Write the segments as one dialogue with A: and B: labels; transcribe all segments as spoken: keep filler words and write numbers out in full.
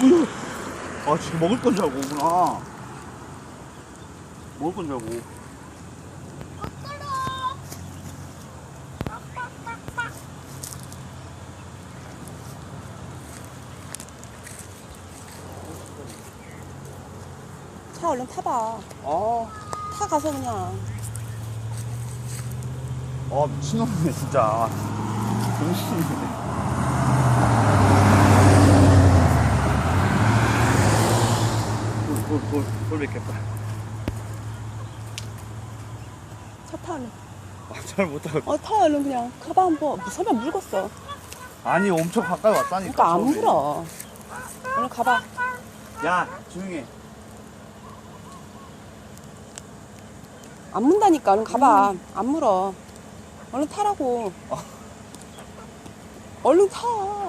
A: 으. 아, 지금 먹을 건 줄 알고 오구나. 먹을 건 줄 알고.
B: 차 얼른 타봐.
A: 아,
B: 타 가서 그냥.
A: 아 미친놈이네 진짜. 정신이네. 돌, 돌, 돌, 돌 뵙겠다.
B: 차 타 얼른.
A: 아, 잘 못하고.
B: 어, 타 얼른 그냥. 가봐 한번. 설마 물겠어.
A: 아니, 엄청 가까이 왔다니까.
B: 그러니까 안
A: 처음에.
B: 물어. 얼른 가봐.
A: 야, 조용히 해.
B: 안 문다니까. 얼른 가봐. 음. 안 물어. 얼른 타라고.
A: 아.
B: 얼른 타.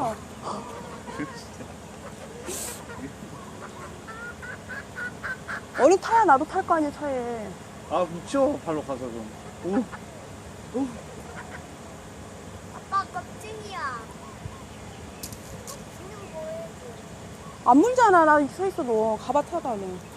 B: 얼른 타야 나도 탈 거 아니야, 차에.
A: 아, 묻혀. 발로 가서 좀. 오. 오.
C: 아빠 껍질이야. 그냥 뭐해?
B: 안 물잖아. 나 서 있어, 너. 가봐, 타봐, 얼른.